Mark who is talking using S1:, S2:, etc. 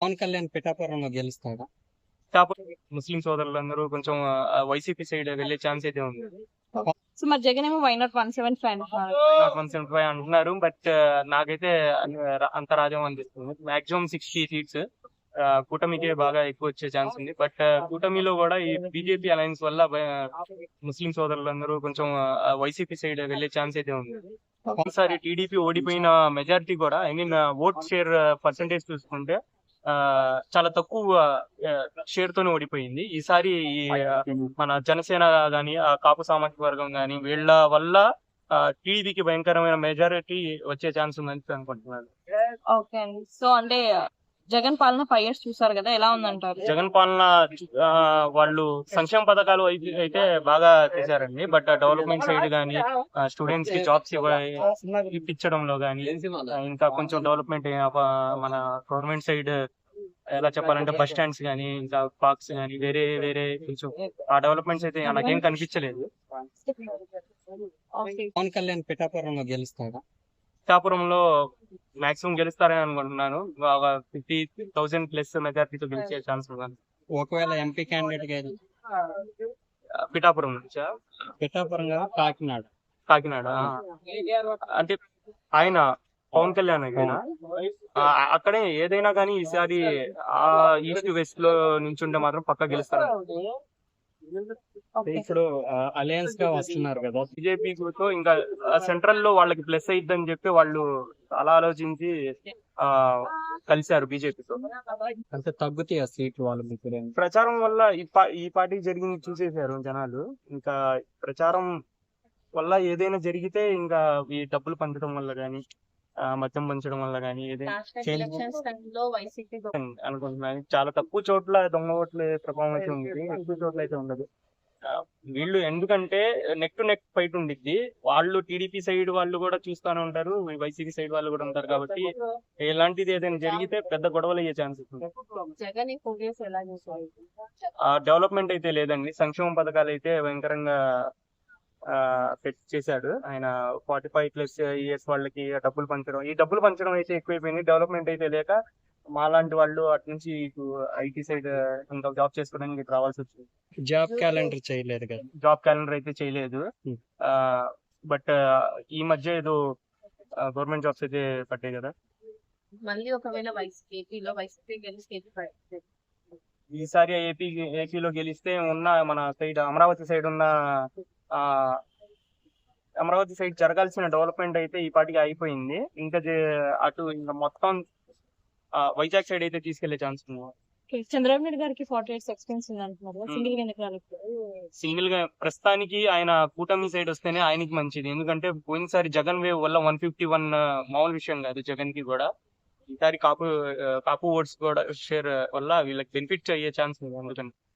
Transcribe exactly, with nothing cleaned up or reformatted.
S1: పవన్ కళ్యాణ్ పిఠాపురంలో గెలుస్తాడా?
S2: కాకపోతే ముస్లిం సోదరులందరూ కొంచెం వైసీపీ సైడ్ వెళ్ళే ఛాన్స్ అయితే ఉంది.
S3: సో మరి జగన్ ఏమో why not one seven five అంటున్నారు.
S2: వన్ సెవెంటీ ఫైవ్ అంటున్నారు, బట్ నాకైతే అన్- అంత రాజ్యం అనిపిస్తుంది. మాక్సిమం సిక్స్టీ సీట్స్ కూటమికే బాగా ఎక్కువ వచ్చే ఛాన్స్ ఉంది. బట్ కూటమిలో కూడా ఈ బీజేపీ అలయన్స్ వల్ల బ- ముస్లిం సోదరులందరూ కొంచెం వైసీపీ సైడ్ వెళ్ళే ఛాన్స్ అయితే ఉంది. ఒకసారి టీడీపీ ఓడిపోయిన మెజారిటీ కూడా I mean vote share percentage చూసుకుంటే ఆ చాలా తక్కువ షేర్ తోనే ఓడిపోయింది. ఈసారి ఈ, ఆ, మన జనసేన గాని ఆ కాపు సామాజిక వర్గం గాని వీళ్ళ వల్ల టీడీపీకి భయంకరమైన మెజారిటీ వచ్చే ఛాన్స్ ఉందని అనుకుంటున్నాను.
S3: ఓకే అండి. సో అంటే జగన్ పాలన ఫైవ్ ఇయర్స్ చూసారు కదా, ఎలా ఉందంటారు?
S2: జగన్ పాలన ఆ, వాళ్ళు సంక్షేమ పథకాలు అయితే అయితే బాగా చేశారండి. బట్ డెవలప్మెంట్ సైడ్ గానీ స్టూడెంట్స్ కి జాబ్స్ ఇప్పించడంలో గానీ ఇంకా కొంచెం డెవలప్మెంట్ మన గవర్నమెంట్ సైడ్ ఎలా చెప్పాలంటే బస్ స్టాండ్స్ గానీ ఇంకా పార్క్స్ గానీ వేరే వేరే కొంచెం ఆ డెవలప్మెంట్స్ అయితే నాకేం కనిపించలేదు.
S1: పవన్ కళ్యాణ్ పిఠాపురంలో గెలుస్తాడా?
S2: పిఠాపురంలో మాక్సిమం గెలుస్తారని అనుకుంటున్నాను. ఒక ఫిఫ్టీ థౌసండ్ ప్లస్ మెజార్టీతో గెలిచే ఛాన్స్ ఉంది.
S1: ఒకవేళ ఎంపీ క్యాండిడేట్ గా
S2: పిఠాపురం నుంచా?
S1: పిఠాపురం కదా కాకినాడ.
S2: కాకినాడ ఆ. అంటే ఆయన పవన్ కళ్యాణ్ అయినా అక్కడే ఏదైనా కానీ ఈసారి ఆ ఈస్ట్ వెస్ట్ లో నుంచి ఉంటే మాత్రం పక్కా గెలుస్తారు.
S1: ఇప్పుడు అలయన్స్ గా వస్తున్నారు కదా,
S2: బీజేపీతో ఇంకా సెంట్రల్ లో వాళ్ళకి ప్లస్ అయిద్దని చెప్పి వాళ్ళు అలా ఆలోచించి ఆ కలిశారు బీజేపీతో.
S1: అంటే తగ్గుతాయి ఆ సీట్లు వాళ్ళు మీకు.
S2: ప్రచారం వల్ల ఈ పా- ఈ పార్టీ జరిగింది చూసేశారు జనాలు. ఇంకా ప్రచారం వల్ల ఏదైనా జరిగితే ఇంకా ఈ డబ్బులు పంచడం వల్ల గానీ మద్యం పంచడం వల్ల గానీ ఏదైనా అనుకుంటున్నాను. చాలా తక్కువ చోట్ల దొంగ ఓట్ల ప్రభావం అయితే ఉంది, ఎక్కువ చోట్ల అయితే ఉండదు. ఆ, వీళ్ళు ఎందుకంటే నెక్ టు నెక్ ఫైట్ ఉండిద్ది. వాళ్ళు టీడీపీ సైడ్ వాళ్ళు కూడా చూస్తానే ఉంటారు, వైసీపీ సైడ్ వాళ్ళు కూడా ఉంటారు. కాబట్టి ఇలాంటిది ఏదైనా జరిగితే పెద్ద గొడవలు అయ్యే ఛాన్సెస్ ఉంది. ఆ డెవలప్మెంట్ అయితే లేదండి. సంక్షేమ పథకాలు అయితే భయంకరంగా ఆ పెట్ చేశాడు ఆయన. ఫార్టీ ఫైవ్ ప్లస్ ఇయర్స్ వాళ్ళకి డబ్బులు పంచడం, ఈ డబ్బులు పంచడం అయితే ఎక్కువైపోయింది. డెవలప్మెంట్ అయితే లేక మాలాంటి వాళ్ళు అటు నుంచి ఐటీ సైడ్ ఇంకా జాబ్ చేసుకోవడానికి ఇటు రావాల్సి వచ్చింది.
S1: జాబ్ క్యాలెండర్ చేయలేదు కదా.
S2: జాబ్ క్యాలెండర్ అయితే చేయలేదు.
S1: Hmm.
S2: ఆ బట్ ఈ మధ్య ఏదో గవర్నమెంట్ జాబ్స్ అయితే పట్టాయి కదా.
S3: మళ్ళీ ఒకవేళ వైసీపీలో వైసీపీ గెలిస్తే
S2: ఈసారి ఏపీ ఏపీలో గెలిస్తే ఉన్న మన సైడ్ అమరావతి సైడ్ ఉన్న ఆ అమరావతి సైడ్ జరగాల్సిన డెవలప్మెంట్ అయితే ఈ పాటికి అయిపోయింది. ఇంకా జే- అటు ఇంకా మొత్తం ఆ, వైజాగ్ సైడ్ అయితే తీసుకెళ్లే ఛాన్స్ ఉంది.
S3: చంద్రబాబు నాయుడు గారికి ఫార్టీ ఇయర్స్ ఎక్స్పీరియన్స్ ఉంది అంటున్నారు. సింగిల్ గా ఎందుకు రాలేదు?
S2: సింగిల్ గా ప్రస్తుతానికి ఆయన కూటమి సైడ్ వస్తేనే ఆయనకి మంచిది. ఎందుకంటే పోయినసారి జగన్ వేవ్ వల్ల వన్ ఫిఫ్టీ వన్ మామూలు విషయం కాదు జగన్ కి కూడా. ఈసారి కాపు ఆ, కాపు ఓట్స్ కూడా షేర్ వల్ల వీళ్ళకి బెనిఫిట్ అయ్యే ఛాన్స్ ఉంది. అందుకని